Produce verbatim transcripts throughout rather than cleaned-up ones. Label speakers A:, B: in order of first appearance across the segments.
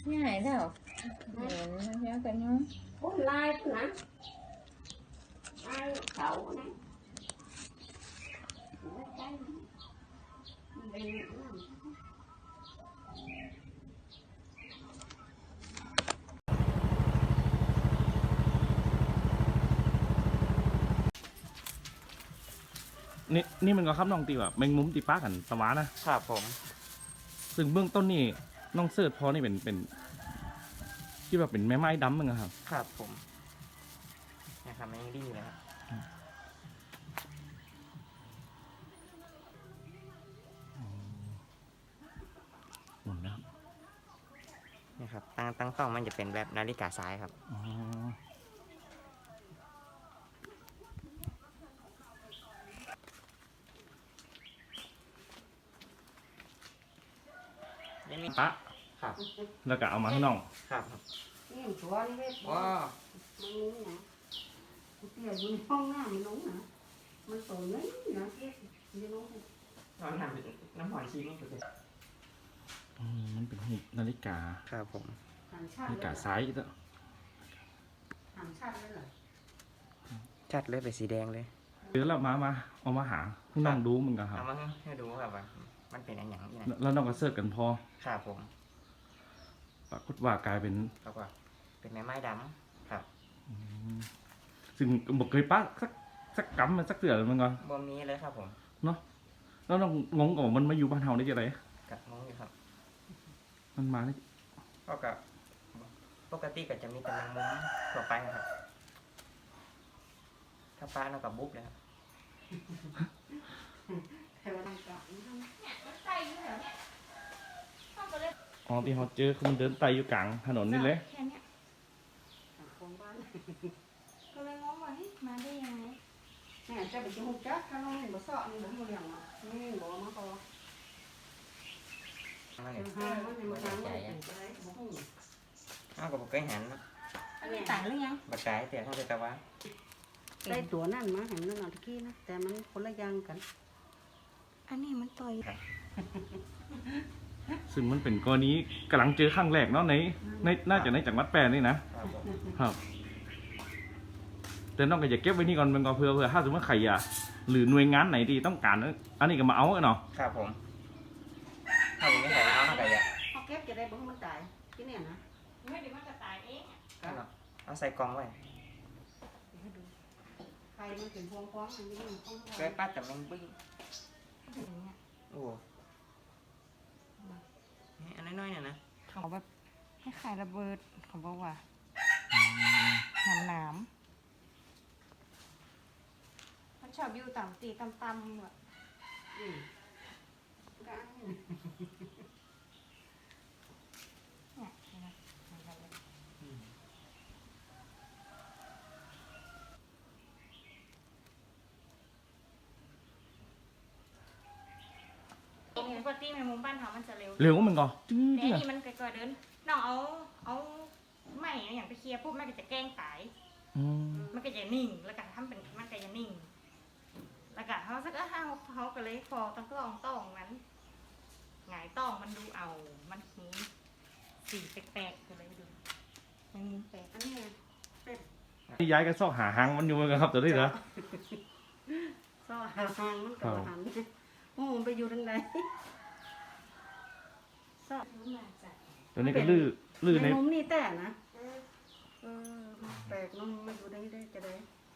A: ง่ายแล้วเห็นมันเยอะกันเนาะ
B: Ủa lai chứ hả? Ai cậu nè. Mấy cái nữa. Đi nữa.
C: นี่นี่มันก็ครับน้องตีแบบแมงมุมตีป้ากันสวานะครับ
D: ผม
C: ซึ่งเบื้องต้นนี่น้องเสิร์ชพอนี่เป็นเป็นที่แบบเป็นแม่ไม้ดำมั้งครับ
D: ครับผมนะครับมันยังดีอยู่เลยครับ
C: หมุนนะครับ
D: นี่ครับตั้งตั้งต้องมันจะเป็นแบบนาฬิกาซ้ายครับ
C: อ๋อ
D: นี่มี
C: ปะ
D: ครับ
C: แล้วก็เอามาให้น้อง
D: ครับ
B: Cái em chùa đi hết.
D: ว้า
B: Mang núng nè. Cái kia vui phong nè, mình núng nè. Mình tổ nấy nè, kia. Đi núng nè.
D: น้ำน้ำน้ำหอยชีมันสุดเลย
C: อืมมันเป็นหุบนาฬิกา
D: ครับผม
B: Hàn
C: นา
B: sát
C: ฬิกา
B: lên.
C: ซ้ายอีกแล้ว
B: Hàn sát lên rồi.
D: ชัดเลยเป็นสีแดงเลย
C: เดี๋ยวเรามามาเอามาหาให้น้องดูมึงกันครับ
D: เอามาให้ดูครับว่ามันเป็นอะไรอย่างนี้นะ
C: แล้วน้องก็เสิร์ชกันพอ
D: ครับผม
C: ปรากฏว่ากลายเป็น
D: แล้วก็เป็นไม้ไม้ดำครับ
C: อืมซึ่งบอกเคยปะสักสักกำมันสักเสือมันก่อน
D: บวมนี้เลยครับผม
C: แล้วน้องงงกับว่ามันมาอยู่บ้านเฮาได้ยังไง
D: กับงงอยู่ครับ
C: มันมาได้
D: ก็กับปกติก็จะมีแต่แมงมุมทั่วไปนะครับ ถ้าปลาเรากับบุ๊บเลยครับ
B: Theo đang cạo nó không?
A: ใส่อยู่แล้วเนี่ยเข้าไปเลย
C: อ๋อที่เขาเจอคือมันเดินไต่อยู่กลางถนนนี่เลย
A: แค่เนี้ย
B: Cạo con bán.
A: ก็เลยงงว่าเฮ้ยมาได้ยังไง
B: Nè, cho bị cái hộp chắc, nó không có sợ, nhưng bố mua liền mà. Nhưng bố nó có.
D: นั่นเอง
B: Hai nó thì một tháng nó phải cái đấy, bố không.
D: อ้าวกับเคยเห็นนะ
A: อันนี้ต่างหรือยัง
D: บักไก่แต่เขาจะตะวัน
B: Đây tuổi năn mà, hẳn nó nào thì kia nó, tại nó có lấy giang cắn.
A: อันนี้มันต่อย
C: ซึ่งมันเป็นกรณีกำลังเจอครั้งแรกเนาะในในน่าจะในจังหวัดแปรนี่นะครับ
D: ผม
C: ครับแต่น้องก็อย่าเก็บไว้นี่ก่อนเป็นก่อนเพื่อเพื่อถ้าสมมติใครอ่ะหรือหน่วยงานไหนที่ต้องการอันนี้ก็มาเอาเนาะ
D: ครับผมถ้าผมไม่ใส่เอาหน้าไก่อะ
B: Họ kép cho đây bố không tải. Cái này nè.
A: ไม่เดี๋ยวมันจะตายเองอะ
D: เอาใส่กล่องไว้
B: Khay nó chuyển khoang khoáng, nó không không
D: เคยป้าแต่แมงบิ้ง
A: อย่างเงี้ย
D: โอ้อันน้อยๆเนี่ยนะ
A: เขาแบบให้ขายระเบิดเขาบอกว่าหนามหนามมันชอบอยู่ต่ำตีต่ำต่ำแบบ
B: Ừ. Gã này.
A: เนี่ยเห็นไหมมันแบบนี้ปกติแมงมุมบ้านเขามันจะเร็ว
C: เร็วมันก็จื้อ
A: แต่
C: เดี
A: อั
C: ย
A: นนี้มันไกลๆเดินน้องเอาเอาไม่อย่างไปเคลียร์ปุ๊บมันก็จะแกล้งตาย
C: อืม
A: มันก็จะนิ่ง แล้วก็ทำเป็นมันก็จะนิ่ง แล้วก็เขาสักห้าเขาก็เลยฟอต้องกลองต้องนั้นหงายต้องมันดูเอา มันมีสีแปลกๆก็เลยดูมันมุมแปลก
B: Ăn nè.
C: ที่ย้ายกันซอกหาหางมันอยู่เหมือนกันครับตัวนี้เหรอ
B: Sao hàng hàng nó cả
C: Không.
B: hẳn. Ô, bây giờ đang đấy.
A: ชอบรู้มาจาก
C: ตัวนี้ก็ลื้อลื้อใน
B: Mày nôm đi tẻ nè. Ờ, bẹt nó mới vô đây đây, cái đấy.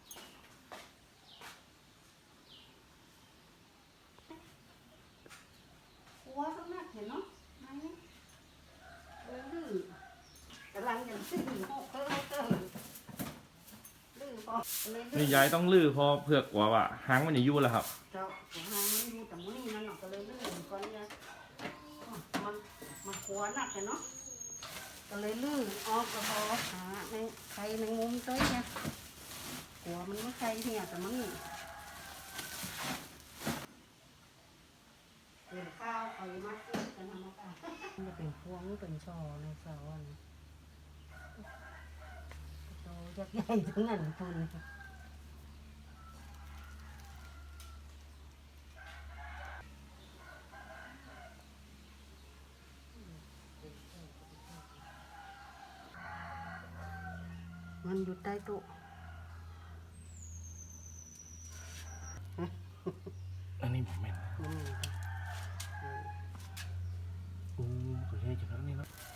B: Quá sắc nát thì nó. Hay đấy. Đấy, lử. Cái lăng nhận xinh hộ cơ cơ. Lử có. Lên
C: นี่
B: lử.
C: ย้ายต้องลื้อพอเพื่อกว่าว่าหางมันจะยู่แล้วครับ
B: Chào, của hàng nó vô tầm mũi nó nọc cái lấy lử con nha. Mà mà quá nặng cái nó. Cái lấy lử o cái bò hả này khay này ngôm tới nha. Của mình mới khay thì à tầm nó nghỉ. Để khao khỏi mắt cái cái nào nó cả. Nóเป็นพวงเป็นช่อในเสาอันโตยักษ์ใหญ่ทั้งนั้นทุนมันอยู่ใต้โต๊ะ
C: อันนี้ผมแม่น
B: มันมี
C: โอ้ก็เลยจังนั้นนี่เนาะ